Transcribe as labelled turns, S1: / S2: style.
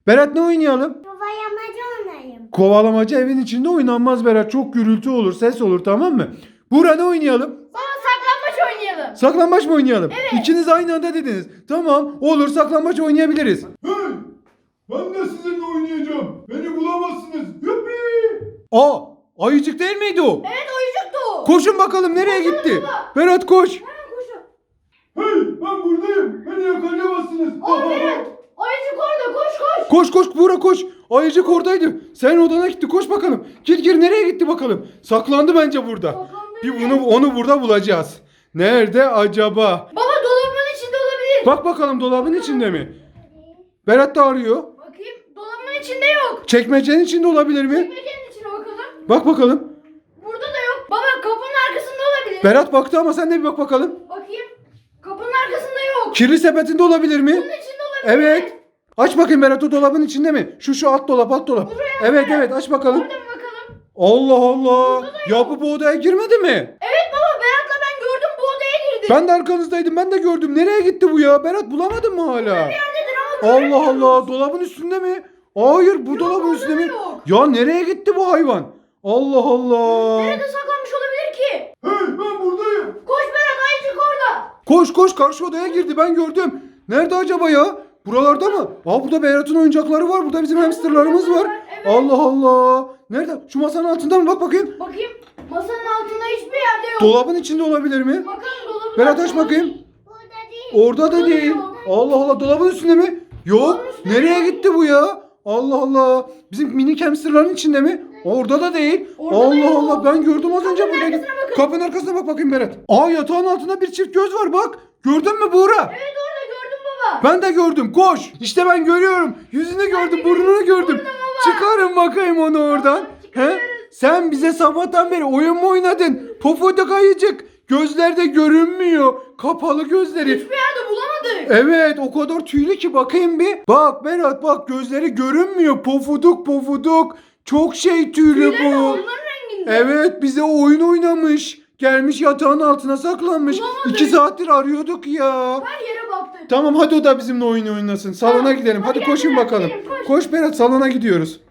S1: Berat ne oynayalım?
S2: Kovalamacı oynayayım.
S1: Kovalamaca evin içinde oynanmaz Berat. Çok gürültü olur, ses olur, tamam mı? Buğra ne oynayalım?
S2: Baba saklambaç oynayalım.
S1: Saklambaç mı oynayalım?
S2: Evet.
S1: İkiniz aynı anda dediniz. Tamam, olur, saklambaç oynayabiliriz.
S3: Hey! Ben de sizinle oynayacağım. Beni bulamazsınız. Yuppi!
S1: Aa, ayıcık değil miydi o?
S2: Evet oyuncuktu o.
S1: Koşun bakalım nereye gitti? Berat koş.
S2: Hemen koşun.
S3: Hey! Ben buradayım. Beni yakalayamazsınız.
S2: Aa Berat. Oyuncuk orada koş koş.
S1: Koş koş Buğra koş. Ayıcık oradaydı. Sen odana gitti. Koş bakalım. Gir nereye gitti bakalım. Saklandı bence burada.
S2: Saklandı,
S1: Bir
S2: evet.
S1: onu burada bulacağız. Nerede acaba?
S2: Baba dolabın içinde olabilir.
S1: Bak bakalım dolabın içinde mi? Berat da arıyor.
S2: Bakayım dolabın içinde yok.
S1: Çekmecenin içinde olabilir mi?
S2: Çekmecenin içine bakalım.
S1: Bak bakalım.
S2: Burada da yok. Baba kapının arkasında olabilir.
S1: Berat baktı ama sen de bir bak bakalım.
S2: Bakayım. Kapının arkasında yok.
S1: Kirli sepetinde olabilir mi?
S2: Bunun içinde olabilir.
S1: Evet. Aç bakayım Berat, o dolabın içinde mi? Şu alt dolap.
S2: Buraya.
S1: Evet aç bakalım.
S2: Orada mı bakalım?
S1: Allah Allah. Ya bu odaya girmedi mi?
S2: Evet baba Berat'la ben gördüm bu odaya girdi.
S1: Ben de arkanızdaydım, ben de gördüm. Nereye gitti bu ya? Berat bulamadın mı hala?
S2: Nerededir ama
S1: Allah
S2: göremiyoruz.
S1: Allah, dolabın üstünde mi? Hayır, bu dolabın
S2: orada
S1: üstünde mi?
S2: yok.
S1: Ya nereye gitti bu hayvan? Allah Allah.
S2: Nerede saklanmış olabilir ki?
S3: Hey! Ben buradayım.
S2: Koş Berat ayıcık orada.
S1: Koş karşı odaya girdi, ben gördüm. Nerede acaba ya? Buralarda mı? Aa, burada Berat'ın oyuncakları var. Burada bizim hamsterlarımız var.
S2: Evet.
S1: Allah Allah. Nerede? Şu masanın altında mı? Bak bakayım.
S2: Bakayım masanın altında hiçbir yerde yok.
S1: Dolabın içinde olabilir mi?
S2: Bakalım dolabın
S1: Berat aç
S2: altında.
S1: bakayım.
S2: Burada değil.
S1: Orada da
S2: Burada
S1: değil.
S2: yok.
S1: Allah Allah, dolabın üstünde mi? Yok.
S2: Dolabın üstünde
S1: Nereye
S2: yok.
S1: gitti bu ya? Allah Allah. Bizim minik hamsterların içinde mi? Orada da değil.
S2: Orada da
S1: Allah
S2: yok.
S1: Allah, ben gördüm az önce
S2: Kapının
S1: buradaydı.
S2: arkasına bakın.
S1: Kapının arkasına bak bakayım Berat. Aa, yatağın altında bir çift göz var bak. Gördün mü Buğra?
S2: Evet orada gördüm baba.
S1: Ben de gördüm. Koş. İşte ben görüyorum. Yüzünü gördüm, burnunu gördüm. Çıkarın bakayım onu oradan. He? Sen bize sabahtan beri oyun mu oynadın? Pofuduk ayıcık. Gözlerde görünmüyor. Kapalı gözleri.
S2: Hiçbir yerde bulamadık.
S1: Evet, o kadar tüylü ki, bakayım bir. Bak Berat bak, gözleri görünmüyor. Pofuduk. Çok tüylü
S2: Tüyleri de
S1: bu.
S2: onların renginde.
S1: Evet, bize oyun oynamış. Gelmiş yatağın altına saklanmış.
S2: Bulamadık.
S1: 2 saattir arıyorduk ya.
S2: Her yere baktık.
S1: Tamam, hadi o da bizimle oyun oynasın. Salona
S2: Tamam,
S1: gidelim. Hadi
S2: hadi
S1: koşun
S2: gel,
S1: bakalım.
S2: gidelim, koş.
S1: Koş Berat, salona gidiyoruz.